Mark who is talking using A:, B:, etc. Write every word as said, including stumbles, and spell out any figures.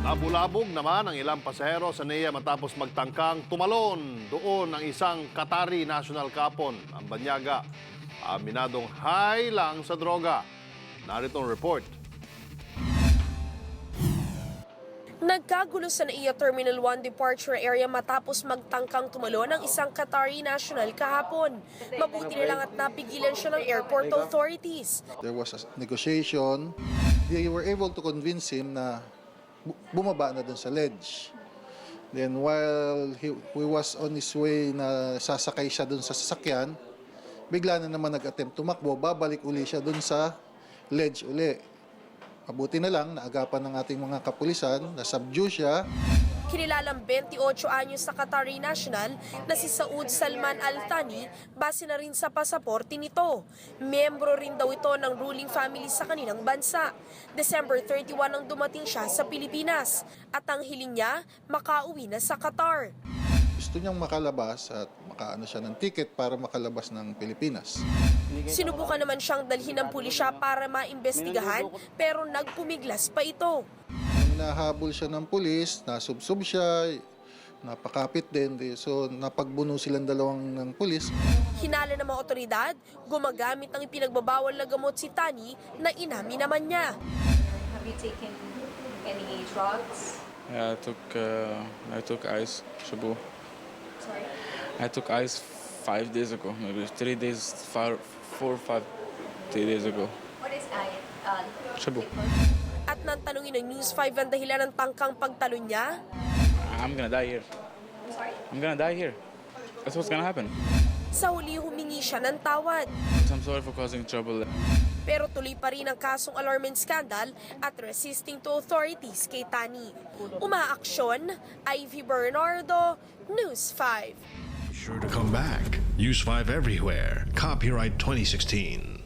A: Abulabog naman ang ilang pasahero sa N E A matapos magtangkang tumalon doon ang isang Qatari national kapon, ang Banyaga. Aminadong high lang sa droga. Narito ang report.
B: Nagkagulo sa N E A Terminal one departure area matapos magtangkang tumalon ang isang Qatari national kahapon. Mabuti na lang at napigilan siya ng airport authorities.
C: There was a negotiation. They were able to convince him na bu- bumaba na dun sa ledge. Then while he, he was on his way na sasakay siya dun sa sasakyan, bigla na naman nag-attempt tumakbo, babalik uli siya dun sa ledge uli. Mabuti na lang, naagapan ng ating mga kapulisan, na-subdue siya.
B: Kinilalang twenty-eight anyos sa Qatari national na si Saud Salman Al Thani base na rin sa pasaporte nito. Miyembro rin daw ito ng ruling family sa kanilang bansa. December thirty-one nang dumating siya sa Pilipinas at ang hiling niya makauwi na sa Qatar.
C: Gusto niyang makalabas at makaano siya ng ticket para makalabas ng Pilipinas.
B: Sinubukan naman siyang dalhin ng pulisya para maimbestigahan pero nagpumiglas pa ito.
C: Nahabol siya ng pulis, nasubsob siya, napakapit din. So napagbuno silang dalawang ng pulis.
B: Hinala ng mga otoridad, gumagamit ng ipinagbabawal na gamot si Tani na inamin naman niya.
D: Have you taken any drugs?
E: Yeah, I took uh, I took ice, shabu.
D: Sorry?
E: I took ice five days ago, maybe three days, five, four, five, three days ago.
D: What is I? Uh,
E: Shabu.
B: At nang tanungin ng News five ang dahilan ng tangkang pagtalon niya,
E: I'm gonna die here.
D: sorry?
E: I'm gonna die here. That's what's gonna happen.
B: sa huli humingi siya ng tawad.
E: I'm sorry for causing trouble.
B: Pero tuloy pa rin ang kasong alarming scandal at resisting to authorities kay Tani. Umaaksyon, Ivy Bernardo, News five.
F: Sure to come back. Use five everywhere. Copyright twenty sixteen.